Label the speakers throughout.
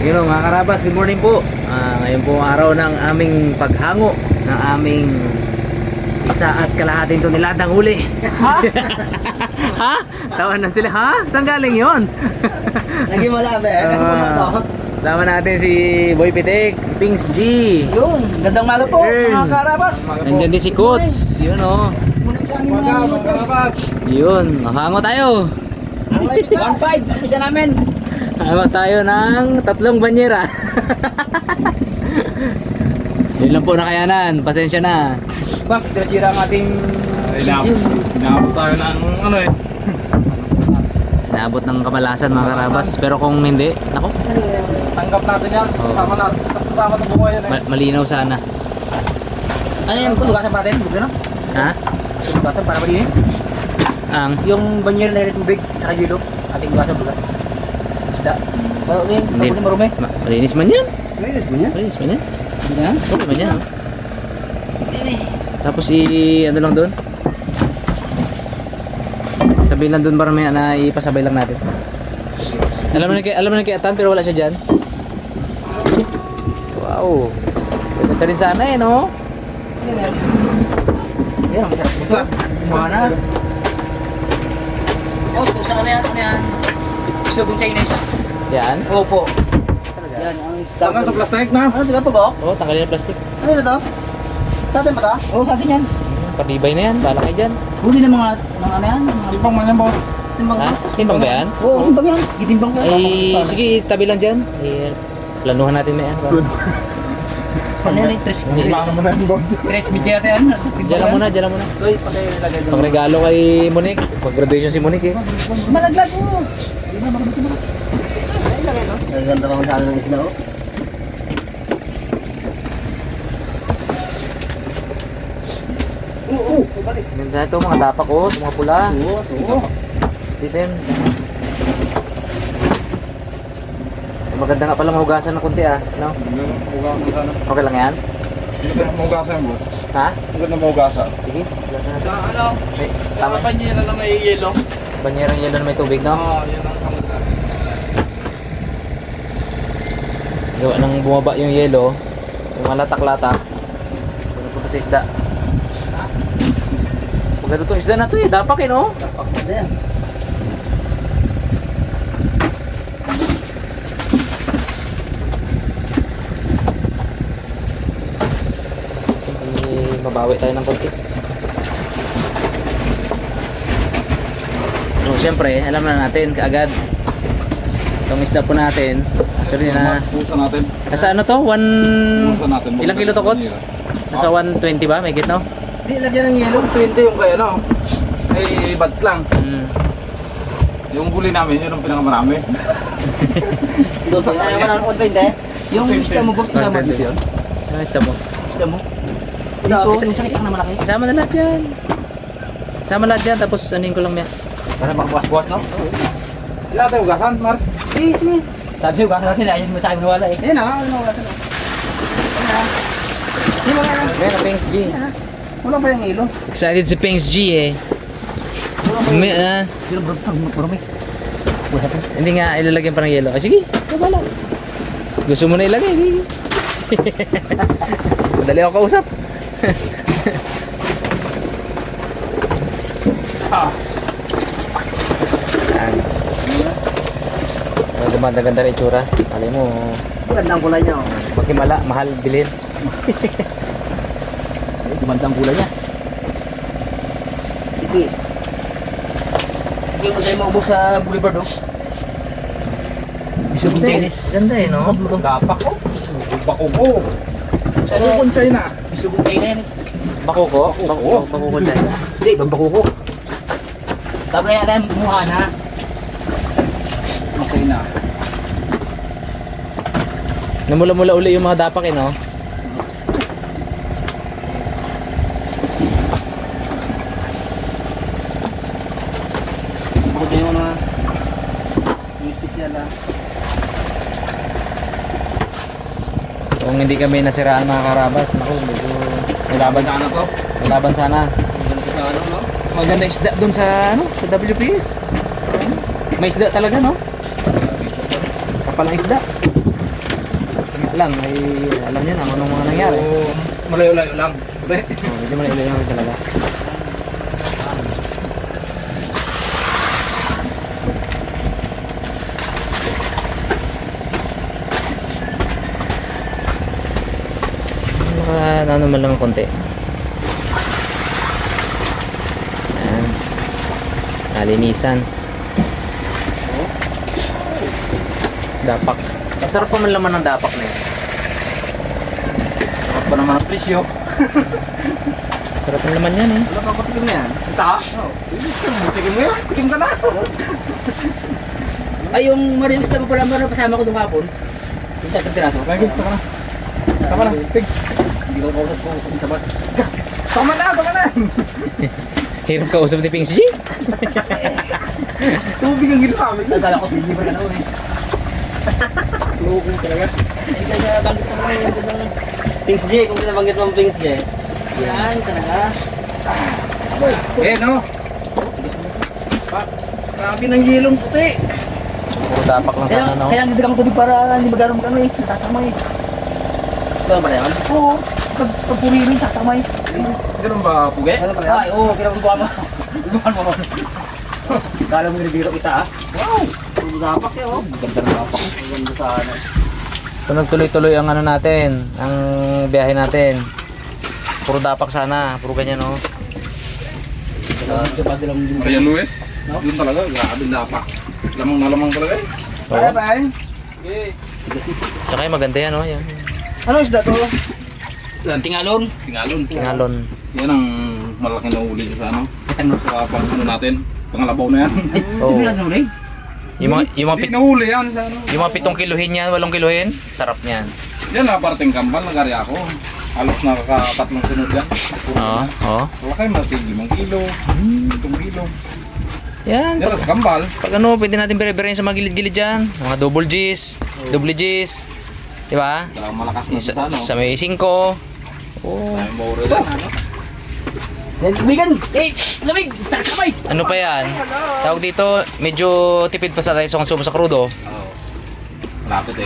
Speaker 1: Yun o mga karabas, good morning po. Ngayon po ang araw ng aming paghango ng aming 1.5 toneladang huli.
Speaker 2: Ha?
Speaker 1: Ha? Tawan na sila, ha? Saan galing yun?
Speaker 2: Lagi malabi
Speaker 1: Sama natin si Boy Pitik, Pings G.
Speaker 3: Yun, gandang maga po
Speaker 1: Ern.
Speaker 3: mga karabas.
Speaker 1: Nandyan din si Coach. Yun o.
Speaker 2: Mga karabas.
Speaker 1: Yun, hango tayo.
Speaker 3: 1.5, isa namin.
Speaker 1: Hango tayo ng 3 banyera. Yun lang po nakayanan. Pasensya na.
Speaker 3: Bak, dirasira ang ating...
Speaker 2: Inaabot tayo ng ano eh.
Speaker 1: Naabot ng kamalasan mga karabas. Pero kung hindi, nako,
Speaker 2: Tanggap natin yan.
Speaker 1: Oo.
Speaker 2: Sama sa buhay yan eh.
Speaker 1: malinaw sana.
Speaker 3: Ano yung tugasan pa natin? Bugla no?
Speaker 1: Ha?
Speaker 3: Tugasan para malinis.
Speaker 1: Ang?
Speaker 3: Yung banyer na rin tubig, saka yelo. Ating tugasan bugla. Isda. Pero okay,
Speaker 1: Hindi.
Speaker 3: tapos marumi.
Speaker 1: Malinis man yan.
Speaker 2: Linis mo niya?
Speaker 1: Malinis man yan.
Speaker 3: Hindi na.
Speaker 1: Okay man yan. Tapos ano lang doon? Sabihin lang doon para may na ipasabay lang natin. Alam mo na kay Atan pero wala siya dyan. Wow. Pwede ka rin sana eh, no?
Speaker 3: Yan, ang sarap.
Speaker 2: Basta.
Speaker 3: Mga na. Oh, kung saan yan, ano yan? Sugong Chinese.
Speaker 1: Yan.
Speaker 3: Opo. Yan, ang
Speaker 2: Tanggal sa plastic na.
Speaker 3: Ano, diba po ba?
Speaker 1: Oh, tanggalin ang plastic.
Speaker 3: Ano na to? Sa atin ba to? Oo, sa atin yan.
Speaker 1: Patibay na yan. Bahala kayo dyan.
Speaker 3: Huli ng mga ano yan?
Speaker 2: Tipang man yan boss.
Speaker 3: Timbang
Speaker 1: Ha? Timbang ba yan?
Speaker 3: Oo, timbang yan. Gitimbang ko.
Speaker 1: Ay, sige, tabi lang dyan. Eh, planuhan natin na yan.
Speaker 3: Ano yan?
Speaker 2: Plano mo na yan boss.
Speaker 3: Tres media yan.
Speaker 1: Diyan lang muna, diyan lang muna.
Speaker 3: Uy, pakilagay doon.
Speaker 1: Pangregalo kay Monique. Pag-graduation si Monique eh.
Speaker 3: Malaglag mo. Hindi na, makabiti mo. Ay, lagay no? Naganda pa masyado ng isla, oh. Oo, balik.
Speaker 1: Minsan ito, mga dapak oh, ito mga pula.
Speaker 3: Oo.
Speaker 1: Titin. Maganda nga pala mahugasan ng kunti ah. No?
Speaker 2: Hugasan sana.
Speaker 1: Okay lang yan?
Speaker 2: Hindi ka mahugasan boss.
Speaker 1: Ha?
Speaker 2: Hindi na mahugasan.
Speaker 1: Sige, hugasan natin.
Speaker 2: Ano?
Speaker 1: May, tama.
Speaker 2: Panyera na may yelo.
Speaker 1: Banyerang yelo na may tubig, no?
Speaker 2: Oo, yan ang kamagda.
Speaker 1: Gawa nang bumaba yung yelo, yung malatak-latak, pupunta sa isda. Maganda itong isda na to eh, dapak eh, no?
Speaker 3: Ano yan?
Speaker 1: Mabawi tayo ng konti. So, siyempre, alam na natin kaagad itong isda po natin. Pero na,
Speaker 2: Pusa natin.
Speaker 1: nasa ano to?
Speaker 2: Pusa natin.
Speaker 1: Ilang kilo to, Kots? Nasa 120 ba? May git, no?
Speaker 3: Di, lagyan ng yelo.
Speaker 2: 20 yung kaya no. Ay, buds lang.
Speaker 1: Mm.
Speaker 2: Yung huli namin, yun ang pinakamarami.
Speaker 3: Dosa. Ayaw mo na ng 120. Yung isda mo, boss, isama dito yun.
Speaker 1: Ano isda mo?
Speaker 3: Isda mo. Dito, yung sakit lang na malaki.
Speaker 1: Isama na lahat yan. Isama lahat yan, tapos anin ko lang yan.
Speaker 3: Para makabuwas-buwas, no?
Speaker 2: Wala tayo hugasan, Mark.
Speaker 3: Sige, sige. Sabi ko, kasi natin, ayaw mo tayo maniwala eh. Yan na, ano mo kasi. Yan na.
Speaker 1: Ayan, Pings G.
Speaker 3: Wala pa yung ilo.
Speaker 1: Excited si Pings G eh. May,
Speaker 3: Sino brumi? Wala pa.
Speaker 1: hindi nga ilalagyan pa ng yelo. Ah, sige, wala. Gusto mo na ilagay, sige. Madali ako kausap. Yan. Gumanda-ganda rin itsura. Alam mo,
Speaker 3: Magandang kulay niya. Oh.
Speaker 1: magkimala, mahal bilhin.
Speaker 3: Ay, gumandang kulay niya. Sipi. Hindi mo tayo maubos sa boulevard, oh. Bisog ng tennis.
Speaker 1: Ganda eh, no?
Speaker 2: Dapak ko. Bako ko.
Speaker 3: Sa
Speaker 2: Ano kung China?
Speaker 3: bisog ng tennis.
Speaker 1: Bakuko? Bakuko dyan.
Speaker 3: Hindi, babakuko. Tapos na yan, mukha na.
Speaker 2: Okay na.
Speaker 1: Namula-mula uli yung mga dapak eh, no?
Speaker 3: Buti yung mga yung special na.
Speaker 1: Kung hindi kami nasiraan mga karabas, naku, medyo may laban,
Speaker 2: Sana to.
Speaker 1: may laban sana.
Speaker 3: Sa ano, no?
Speaker 1: Maganda isda doon sa ano, sa WPS. May isda talaga, no? Kapal ang isda. lang, ay alam niya na kung anong mga nangyari.
Speaker 2: Oo, malayo-layo lang. Puti.
Speaker 1: Oh, medyo malayo talaga. Ano man lang konti. Ayan. Nalinisan. Dapak. Masarap pa man laman ng dapak na yun.
Speaker 2: Sarap pa naman ang presyo.
Speaker 1: Sarap ang laman yan eh.
Speaker 3: Ano pa patikim na yan?
Speaker 2: Ita? Oo. Tikim mo yan. Tikim ka na.
Speaker 4: Ay, yung marinista mo pala meron kasama ko doon kapon. Yung tatang tiraso.
Speaker 2: Lagi, tama na. Tama na. Pig.
Speaker 3: Hindi ko kausap ko kung sabat.
Speaker 2: Tama na, tama na.
Speaker 1: Hirap ka usap ni Ping G.
Speaker 2: Tubig ang ginamit.
Speaker 4: Nagkala ko sige ba na noon eh.
Speaker 2: Loko talaga.
Speaker 4: Ay, kaya banggit mo ngayon yung Pings J, kung sinabanggit mo ang Pings J. Yan, talaga.
Speaker 2: Eh, no? Grabe ng yelong puti.
Speaker 1: Puro dapak lang sana, no?
Speaker 4: Kaya ang didagang tubig para hindi magkaroon magkano eh. Tatamay. Ba ba yan? Oo. Pag puririn, tatamay.
Speaker 2: Ganun ba, Puge?
Speaker 3: Ano pala yan?
Speaker 4: Ay, oo, kinagagawa mo. Gagawan mo. Kala mo nilibiro kita ah.
Speaker 3: Wow! Puro dapak yan, oh.
Speaker 2: Ganda ng dapak.
Speaker 3: Ang ganda sana.
Speaker 1: So nagtuloy-tuloy ang ano natin, ang biyahe natin. Puro dapak sana, puro ganyan, no?
Speaker 2: Maria Luis. Yun talaga, grabe dapak. Lamang na lamang talaga eh.
Speaker 3: Kaya ba yan?
Speaker 1: Tsaka yung maganda yan, no? Yan.
Speaker 3: Ano isda to?
Speaker 4: Tingalon.
Speaker 2: Tingalon.
Speaker 1: Tingalon.
Speaker 2: Yan ang malaki na uli sa ano. Sa pang ano natin. Pangalabaw na yan.
Speaker 4: Ay,
Speaker 1: Oo.
Speaker 4: hindi na nulay.
Speaker 1: Yung mga,
Speaker 2: Hindi nahuli yan sa ano.
Speaker 1: yung mga 7 kiluhin yan, 8 kiluhin, sarap niyan.
Speaker 2: Yan na, parting kambal, nagari ako. Halos nakakatatlong sunod yan.
Speaker 1: Oo, oo.
Speaker 2: Malaki, matig 5 kilo, 7 kilo.
Speaker 1: Yan,
Speaker 2: Yan na sa kambal.
Speaker 1: pag ano, pwede natin bere-berein sa mga gilid-gilid dyan. Mga double G's, double G's. Di ba?
Speaker 2: Sa malakas na
Speaker 1: Sa,
Speaker 2: sa ano.
Speaker 1: sa may 5. Oo.
Speaker 2: Tayo mauro yan, ano.
Speaker 4: Tubigan! Eh, lamig! Tatamay!
Speaker 1: Ano pa yan? Tawag dito, medyo tipid pa sa tayo sa konsumo sa crudo.
Speaker 2: Oo. Malapit eh.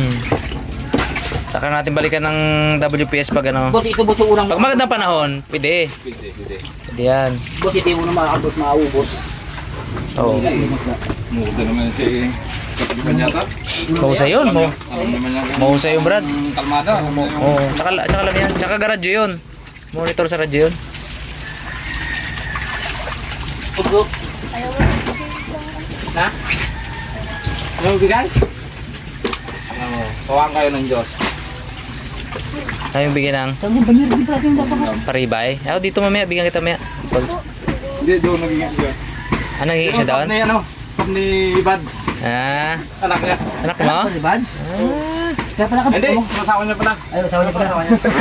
Speaker 1: Saka natin balikan ng WPS pag ano.
Speaker 4: Boss, ito boss yung unang...
Speaker 1: Pag magandang panahon, pwede.
Speaker 2: Pwede.
Speaker 1: Pwede yan.
Speaker 4: Boss, ito yung unang makakabot, maaubos.
Speaker 1: Oo.
Speaker 2: Muda naman si Kapitan yata.
Speaker 1: Mahusay yun.
Speaker 2: Alam naman niya.
Speaker 1: Mahusay yung Brad.
Speaker 2: Kalmada.
Speaker 1: Oo. Tsaka lang yan. Tsaka garadyo yun. Monitor sa radyo yun.
Speaker 4: Ugo.
Speaker 2: Na? Ano bigay? Ano, kawang kayo ng Diyos.
Speaker 1: Ayaw bigyan ng
Speaker 4: Sabi ba niya, di ba natin dapat?
Speaker 1: paribay. Ako dito mamaya, bigyan kita mamaya.
Speaker 2: Hindi, doon naging siya.
Speaker 1: Ano nagiging siya doon?
Speaker 2: Sab ni ano? Sab ni Bads.
Speaker 1: Ah,
Speaker 2: Anak niya.
Speaker 1: anak mo?
Speaker 4: Si Bads? Kaya pala ka.
Speaker 2: Hindi, masawa niya pala.
Speaker 4: Ay, sawa niya pala.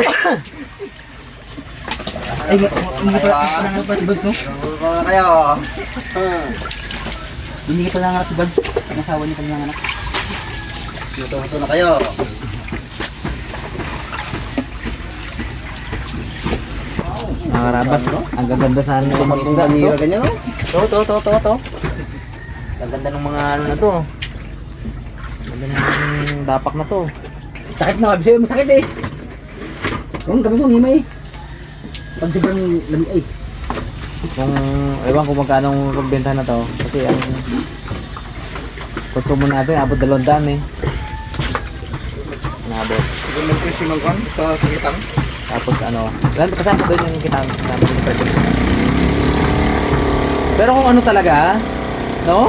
Speaker 4: Ay, hindi pala nga pala si Bads, no?
Speaker 3: Ano kayo?
Speaker 4: Hindi pala nga si Bads. Nasawa niya pala nga anak.
Speaker 3: Luto-luto na kayo.
Speaker 1: Mga karabas, ang gaganda sana ng mga isda.
Speaker 3: Panira ganyan, no?
Speaker 1: To. Ang ganda ng mga ano na to. Ang ganda ng dapak na to.
Speaker 4: Sakit na, sabi sa'yo, masakit eh. Yung kami kong himay. Pag sobrang lamig ay.
Speaker 1: Kung, ewan kung magkano ang pagbenta na to. Kasi ang konsumo natin, abot 200 eh. Nabot.
Speaker 2: Siguro ng presyo ng kan sa sakitang.
Speaker 1: Tapos ano, kasama doon yung kita yung presyo. Pero kung ano talaga, no?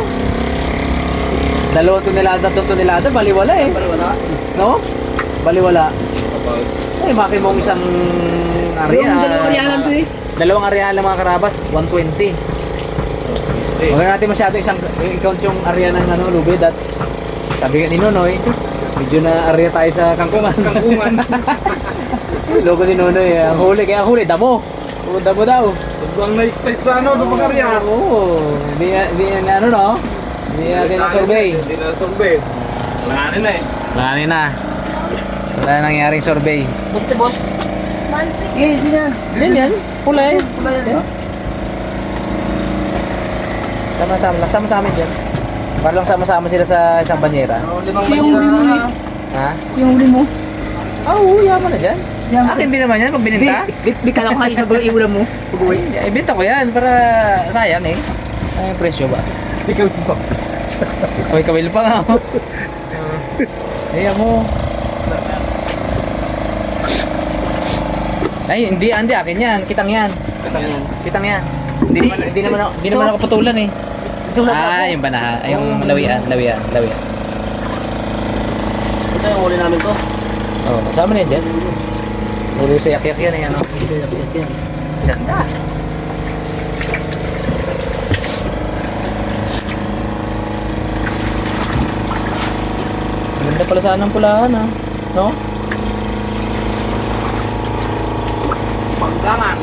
Speaker 1: 2 tonelada, 3 tonelada, baliwala eh.
Speaker 3: Wala.
Speaker 1: No? Baliwala.
Speaker 2: Kapag
Speaker 1: Ay, maki mong isang area.
Speaker 4: Dalawang arialan to eh.
Speaker 1: Dalawang area lang mga karabas, 120. Huwag na natin masyado isang i-count yung area ng ano, lubid at sabi ni Nonoy, medyo na area tayo sa kangkungan.
Speaker 2: kangkungan.
Speaker 1: Loko si Nonoy, ang huli, kaya ang huli, damo. O, damo daw.
Speaker 2: Sobrang na-excite sa ano, sa pagkarya.
Speaker 1: Oo, di ano no? Hindi natin na-survey.
Speaker 2: Hindi na survey. Langanin na eh.
Speaker 1: Langanin na. Wala nangyaring survey.
Speaker 4: Buti boss.
Speaker 3: Eh, hindi na.
Speaker 1: Yan, pula eh.
Speaker 3: Wala yan.
Speaker 1: Sama-sama dyan. Para lang sama-sama sila sa isang banyera.
Speaker 3: Oh, 5
Speaker 4: Yung
Speaker 3: banira
Speaker 4: huli mo
Speaker 3: na.
Speaker 1: Ha?
Speaker 4: Yung huli mo.
Speaker 1: Oo, yaman na dyan.
Speaker 4: Yaman.
Speaker 1: Akin din naman yan pag bininta.
Speaker 4: Di kala ko kanina ba iulam mo? Pag-uwi.
Speaker 1: Ay, ibenta ko yan para sayang eh. Ano yung presyo ba?
Speaker 4: Ikaw po.
Speaker 1: Hoy, kawil pa nga ako. Ayan mo. Ay, hindi akin yan. Kitang yan. Kitang yan. Hindi naman ako putulan eh. Yung banaha. Ay, yung lawian.
Speaker 3: Ito yung uli namin to.
Speaker 1: Oh, kasama na yan dyan. Uli sa yak-yak yan eh, ano? Ganda. Ganda pala saan ang pulahan ha. No?
Speaker 2: Panggangan.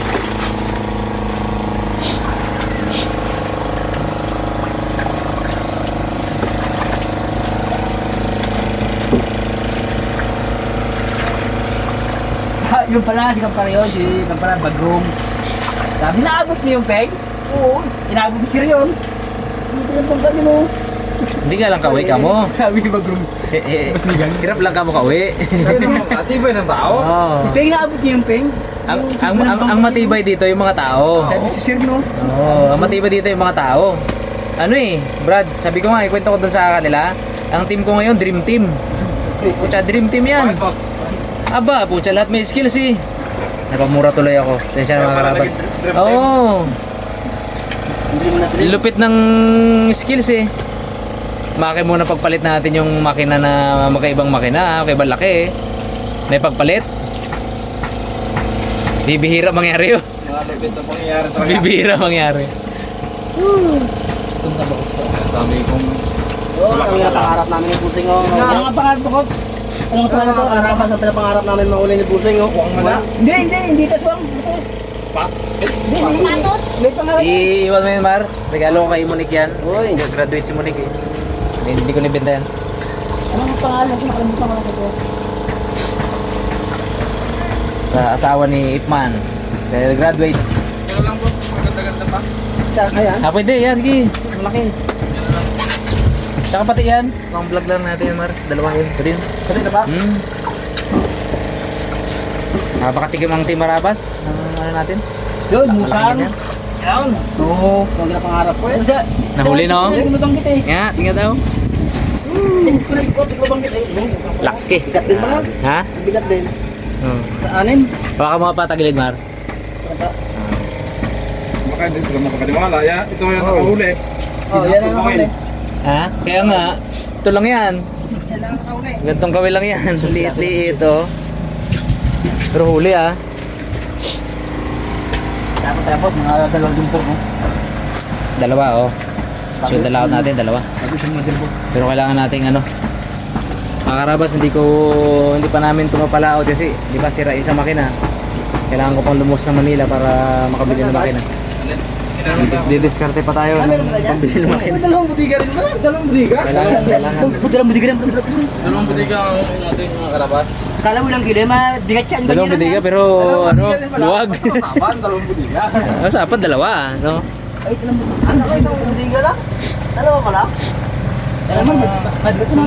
Speaker 4: Yung pala, di ka pala yun. Di ka pala bagong. Sabi, naabot niyo yung peg? Oo. Inaabot mo siya yun. Hindi lang pang gano'n mo.
Speaker 1: Hindi ka lang kawi ka mo.
Speaker 4: Sabi ni bagong.
Speaker 1: Mas nigang. Hirap lang ka mo kawi.
Speaker 2: Matibay ng tao.
Speaker 1: Oo.
Speaker 4: Yung peg, naabot niyo yung peg?
Speaker 1: Ang matibay dito yung mga tao.
Speaker 4: Sabi si Sir, no?
Speaker 1: Oo, ang matibay dito yung mga tao. Ano eh, Brad, sabi ko nga, ikwento ko dun sa kanila, ang team ko ngayon, Dream Team. Pucha, Dream Team yan. Aba, pucha, lahat may skills eh. Napamura tuloy ako. Tensya na mga karabas. Oo. Lupit ng skills eh. Maki muna pagpalit natin yung makina na magkaibang makina, magkaibang laki eh. May pagpalit. Bibihira mangyari yun.
Speaker 2: Mga lupit na pangyayari talaga.
Speaker 1: Bibihira mangyari.
Speaker 2: Sabi kong
Speaker 3: Oo, ang pangarap namin ni Pusing oh.
Speaker 4: Ano nga pangarap mo, Coach? Ano nga
Speaker 3: Ano
Speaker 4: pangarap mo?
Speaker 3: ang pangarap namin mahuli ni Pusing oh.
Speaker 4: Hindi, taswang. Hindi, patos. May pangarap.
Speaker 1: Iiwan mo yun, Mar. Regalo ko kay Monique yan.
Speaker 3: Uy.
Speaker 1: Graduate si Monique eh. Hindi ko nabenta yan.
Speaker 4: Ano nga pangalan? Nakalimutan ko lang ito.
Speaker 1: Sa asawa ni Ipman. Dahil graduate.
Speaker 2: kaya lang po, maganda-ganda pa.
Speaker 3: Ayan.
Speaker 1: Pwede yan. Sige. Malaki. Tsaka pati yan. Pang vlog lang natin yan, Mar. Dalawa yun. Pwede yun.
Speaker 3: Pati na ba?
Speaker 1: Napakatikim ang Team Marabas. Ano natin?
Speaker 4: Yun,
Speaker 1: Malaki
Speaker 4: musang.
Speaker 1: yan.
Speaker 3: Ayan.
Speaker 4: Oo.
Speaker 3: Ito ang pangarap ko eh.
Speaker 4: Ano siya?
Speaker 1: Nahuli, no?
Speaker 4: Lumabang kita eh.
Speaker 1: Nga, tingnan daw.
Speaker 4: Sa ko lumabang kita eh.
Speaker 1: Laki.
Speaker 3: Bigat din pala.
Speaker 1: Ha?
Speaker 3: Bigat din.
Speaker 1: Hmm.
Speaker 3: Sa anin.
Speaker 1: Baka mga patagilid, Mar.
Speaker 2: Baka hindi sila makapaniwala. Ito yung nakahuli.
Speaker 3: Oh, yan ang nakahuli.
Speaker 1: Ha? Kaya nga, ito lang yan.
Speaker 3: Yan ang nakahuli.
Speaker 1: Gantong kawil lang yan. Liit-liit, oh. Pero huli, ah.
Speaker 4: Tapos, mga dalawang jumpo, no?
Speaker 1: Dalawa, oh. So, dalawa natin, dalawa.
Speaker 4: Sabi siya mga jumpo.
Speaker 1: Pero kailangan nating ano. Mga karabas, hindi pa namin tumapalaot kasi, di ba, sira isang makina. Kailangan ko pang lumos ng Manila para makabili ng makina. Didiskarte pa tayo ng pambili ng makina.
Speaker 3: May dalawang budiga rin pala. Dalawang budiga.
Speaker 1: Kailangan.
Speaker 4: Dalawang budigan.
Speaker 2: Dalawang budiga ang natin mga karabas.
Speaker 4: Kala mo lang gila, mabigat siya.
Speaker 1: Dalawang budiga pero ano, luwag.
Speaker 2: Masapan, dalawang budiga.
Speaker 1: Masapan, dalawa, no?
Speaker 4: Ay, ito lang budiga.
Speaker 3: Ano ko isang budiga lang? Dalawa pala?
Speaker 4: Alam mo, mabigat na.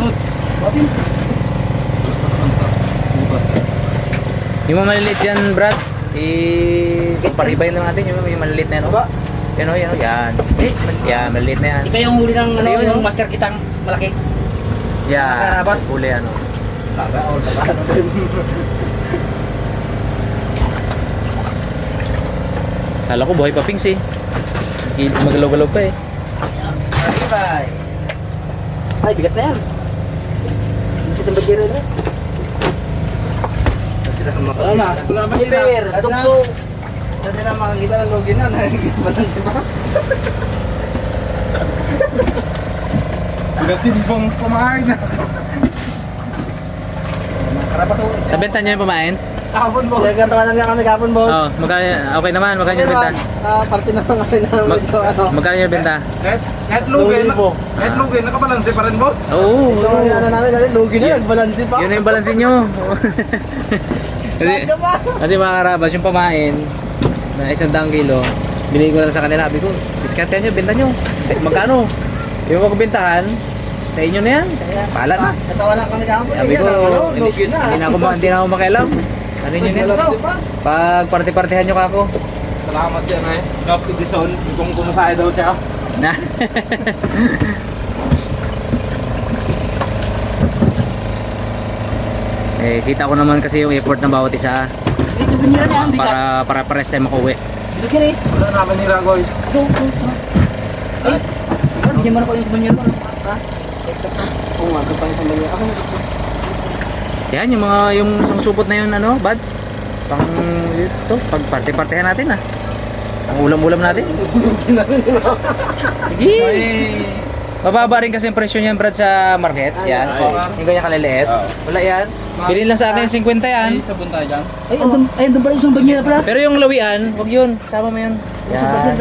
Speaker 1: Yung mga maliliit yan, Brad, paribay lang natin yung maliliit na yan, oh. Yan, oh, yan, oh, yan. Yan, maliliit na yan.
Speaker 4: Ikaw yung huli ng ano,
Speaker 1: Ayun,
Speaker 4: yung
Speaker 1: oh.
Speaker 4: master kitang malaki.
Speaker 1: Yan,
Speaker 4: Karabas.
Speaker 1: huli, ano. Kala ko buhay pa, Pings, eh. Magalaw-galaw pa, eh.
Speaker 3: Bye.
Speaker 4: Ay, bigat na yan. Hindi siya bagiro na.
Speaker 3: Wala na.
Speaker 4: Wala na. Hiper, tukso.
Speaker 3: Sa sila makakita ng login na. Nakikita pa lang siya.
Speaker 2: Pagkatimbang pamahay na.
Speaker 1: Nabenta niyo yung pamain?
Speaker 3: Kahapon boss. Kaya gantawanan nga kami kahapon boss.
Speaker 1: Oo, okay naman, magkano yung benta?
Speaker 3: Parte naman kami ng medyo ano.
Speaker 1: Magkano yung benta?
Speaker 2: Kahit lugin, kahit lugin, nakabalanse pa rin boss.
Speaker 1: Oo.
Speaker 3: Ito yung ano namin, logi na, nagbalansi pa.
Speaker 1: Yun na yung balansin nyo. kasi,
Speaker 3: Saan ka ba?
Speaker 1: kasi mga karabas, yung pamain na 100 kilo, binigay ko lang sa kanila. Sabi ko, discount nyo, benta nyo. Magkano? Yung magbentahan, Sa inyo na yan. Bahala na.
Speaker 3: Natawa lang kami kahapon.
Speaker 1: Sabi ko, hindi na ako makialam. Ano nyo na ito? Pag party-partihan nyo ka ako.
Speaker 2: Salamat siya na eh. Gap Edison, kung kumasaya daw siya.
Speaker 1: Na. Eh, kita ko naman kasi yung effort ng bawat isa
Speaker 4: Dito binira niya ang bigat.
Speaker 1: para pares tayo makauwi.
Speaker 4: Dito kiri.
Speaker 2: Wala namin ni Ragoy.
Speaker 4: Ito. Ay. Bigyan mo na ko yung binira. Ha?
Speaker 3: Oo nga, ito pa yung sandali. Ako
Speaker 1: Yan, yung isang supot na yun, ano, buds? Pang, ito, pag party-partihan natin, ah. Ang ulam-ulam natin. Sige. Mababa rin kasi yung presyo niyan, Brad, sa market. Yan. Yung ganyan kaliliit. Wala yan. Bilhin lang sa akin 50 yan.
Speaker 2: sabon tayo dyan.
Speaker 4: Ay, andun pala yung isang binira pala.
Speaker 1: Pero yung lawian, wag yun. Sama mo yun. Yan.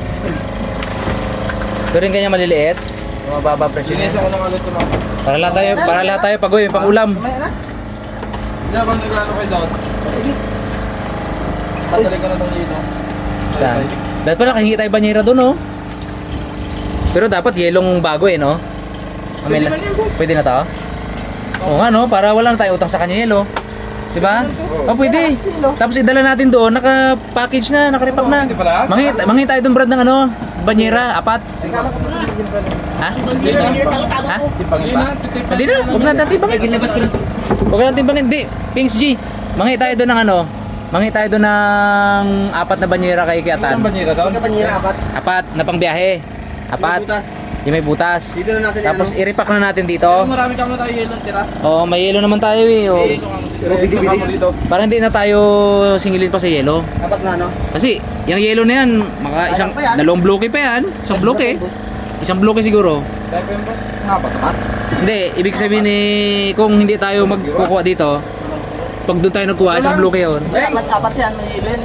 Speaker 1: Pero yung ganyan maliliit. Yung mababa presyo niya.
Speaker 2: Sinisa ko ng alit ko na.
Speaker 1: Para lahat tayo pag-uwi, pang ulam.
Speaker 3: Mamaya na.
Speaker 2: Hindi ako nag-ano kayo doon.
Speaker 3: Sige.
Speaker 2: Tatalik ko na itong dito.
Speaker 1: Saan? Dapat pala kahingi tayo banyera doon, oh. Pero dapat yelong bago eh, no? Pwede na to? Oo nga, no? Para wala na tayo utang sa kanya yelo. Diba? Oh, pwede. Tapos idala natin doon, naka-package na, naka-repack na.
Speaker 2: Hindi pala?
Speaker 1: Mangi tayo doon, Brad, ng ano? Banyera, apat. Ha? Ha? Hindi na, huwag natin timbangin.
Speaker 4: Gilabas ko na.
Speaker 1: Huwag natin timbangin, hindi. Pings G, mangi tayo doon ng ano? Mangi tayo doon ng apat na banyera kay Kiatan.
Speaker 2: Ang banyera doon?
Speaker 3: Pagka panira, apat.
Speaker 1: Apat na pangbiyahe. Apat.
Speaker 3: Butas.
Speaker 1: Yung may butas.
Speaker 3: Dito na natin
Speaker 1: Tapos
Speaker 3: ano.
Speaker 1: i-repack na natin dito.
Speaker 2: Marami kami tayo yelo tira.
Speaker 1: Oo, may yelo naman tayo eh. Oh.
Speaker 2: Yelo kami dito. Bigyan kami dito.
Speaker 1: Para hindi na tayo singilin pa sa yelo.
Speaker 3: Apat na ano.
Speaker 1: Kasi yung yelo na yan, isang
Speaker 3: pa yan.
Speaker 1: dalawang bloke pa yan. Isang bloke. Isang bloke siguro.
Speaker 2: Tayo pa yun ba? Nga ba tapat?
Speaker 1: Hindi, ibig sabihin kung hindi tayo magkukuha dito, pag doon tayo nagkuha, isang bloke yun.
Speaker 3: Apat yan, may ilin.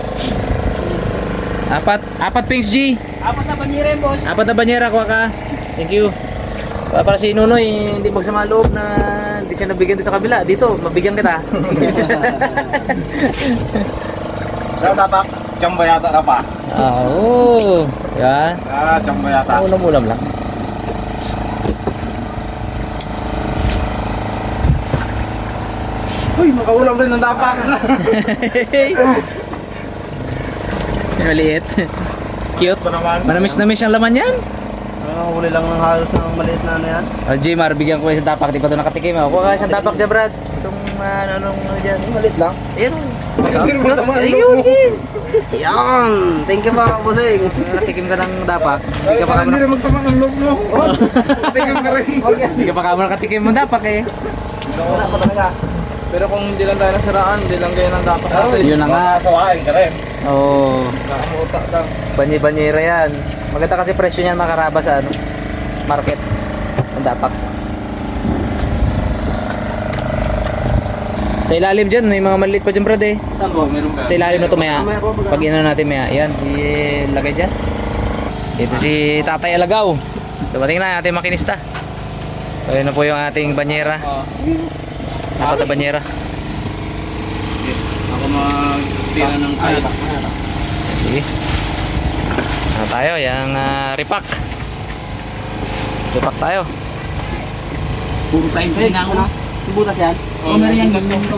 Speaker 1: Apat Pings G.
Speaker 4: Apat na binira yung boss.
Speaker 1: Apat na banyera, kuha ka. Thank you. Para si Nunoy, hindi magsama loob na hindi siya nabigyan doon sa kabila. Dito, mabigyan kita.
Speaker 2: Ano tapak? Chamba yata na pa.
Speaker 1: Oo. Yan.
Speaker 2: Chamba yata.
Speaker 1: Ulam-ulam lang.
Speaker 2: Uy, makaulam rin ng tapak.
Speaker 1: Maliit. Cute.
Speaker 2: Ito naman.
Speaker 1: Manamis-namis ang laman yan.
Speaker 3: Huli lang ng halos ng maliit na ano yan.
Speaker 1: Oh, Jmar, bigyan ko isang tapak. Di pa ito nakatikim. Kuha ka isang tapak dyan, Brad. Itong ano dyan.
Speaker 3: Maliit lang.
Speaker 1: Ayun.
Speaker 2: Ayun, masama ang loob
Speaker 1: Ayun.
Speaker 2: mo.
Speaker 3: Yan! Thank you po, bossing.
Speaker 1: Nakatikim ka ng tapak. Hindi ka pa
Speaker 2: Hindi
Speaker 1: kamo
Speaker 2: rin magsama ng loob mo. Tingnan ka rin.
Speaker 3: Huwag yan.
Speaker 1: hindi ka pa kamo nakatikim ng tapak eh.
Speaker 3: Wala pa talaga.
Speaker 2: Pero kung hindi lang tayo nasiraan, hindi lang ganyan ang dapat natin.
Speaker 1: Yun na nga.
Speaker 2: Kawain ka rin.
Speaker 1: Oo.
Speaker 2: Nakamuta lang.
Speaker 1: Banyera yan. Maganda kasi presyo niyan makaraba sa ano, market. Ang dapak. Sa ilalim dyan, may mga maliit pa dyan, Brad eh.
Speaker 3: Saan po?
Speaker 2: Meron ka.
Speaker 1: Sa ilalim na to maya.
Speaker 3: Mamaya po,
Speaker 1: Pag ino natin maya. Yan, si lagay dyan. Ito si Tatay Alagaw. Dumating na ating makinista. So yun na po yung ating banyera. Apat na banyera.
Speaker 2: Ako magtira ng kaya.
Speaker 1: Sige. Ano tayo? Yung repack. Repack tayo.
Speaker 4: Puro tayo
Speaker 3: Hey,
Speaker 4: na ako.
Speaker 3: ano? Butas yan?
Speaker 4: Oh, meron yan ganyan.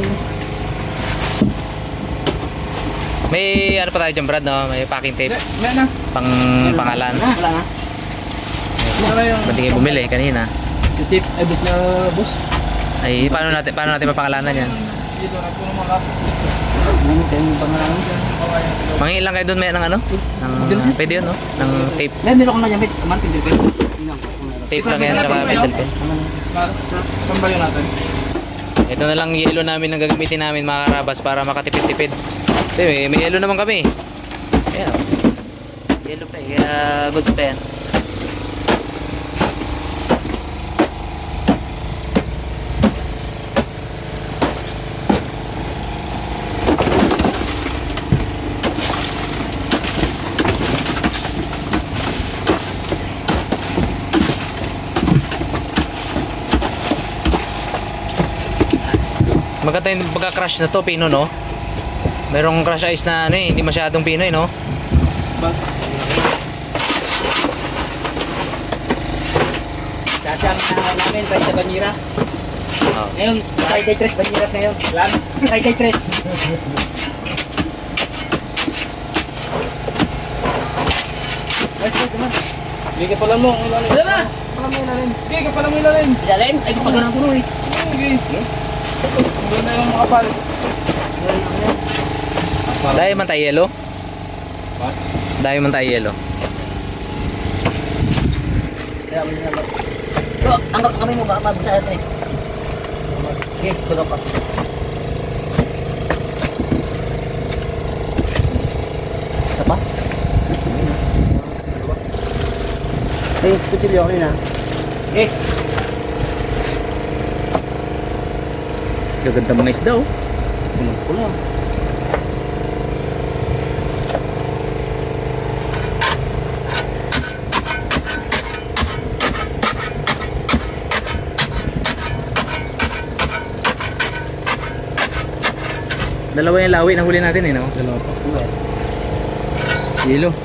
Speaker 1: May ano pa tayo dyan, Brad, no? May packing tape.
Speaker 2: May na.
Speaker 1: Pangalan.
Speaker 3: Wala na.
Speaker 2: Ano yung...
Speaker 1: Ba't di kayo bumili kanina?
Speaker 4: Yung tip, ay bit na boss.
Speaker 1: Ay, paano natin mapangalanan yan?
Speaker 2: Dito na po naman ako.
Speaker 3: Ano kayo yung pangalan?
Speaker 1: Mangingi lang kayo doon may ng ano? Pwede yun, no? Ng tape.
Speaker 4: Meron ako na gamit. Kaman, pindir ko.
Speaker 1: Tape lang yan, tsaka pencil pen.
Speaker 2: Saan ba yun natin?
Speaker 1: Ito na lang yelo namin ang gagamitin namin mga karabas para makatipid-tipid. Kasi may yelo naman kami. Ayan. Yelo pa eh, kaya goods pa yan. Maganda yung pagka-crush na to, Pino, no? Merong crush ice na ano eh, hindi masyadong Pinoy, no?
Speaker 4: Kasi ang inahaw namin, Friday Banyera.
Speaker 1: Oh.
Speaker 4: Ngayon, Friday 3 Banyeras ngayon. Plan? Friday 3.
Speaker 2: Hindi ka pala mo.
Speaker 4: Wala na!
Speaker 2: Hindi ka pala mo ilalim.
Speaker 4: Ilalim? Ay, pagod ang puno eh.
Speaker 2: Doon na yung makapal.
Speaker 1: Dahil man tayo yelo?
Speaker 2: What?
Speaker 1: Dahil man tayo yelo.
Speaker 4: Bro, anggap kami mo, baka mabusa natin eh. Okay, tulog ka.
Speaker 3: Isa pa? Ay, kutsilyo ako yun, ha?
Speaker 4: Okay.
Speaker 1: Gaganda mga isda oh.
Speaker 3: Pula.
Speaker 1: Dalawa yung lawi na huli natin eh no?
Speaker 2: Dalawa pa.
Speaker 1: Yelo.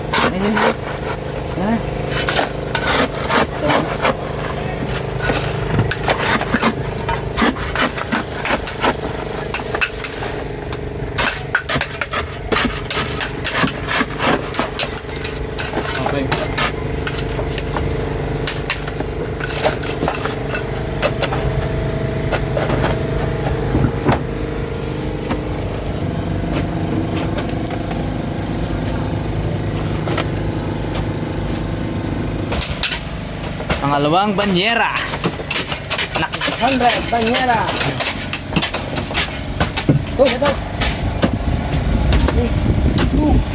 Speaker 2: Okay.
Speaker 1: Pangalawang banyera. Naks.
Speaker 3: 100, Banyera. Ito, ito.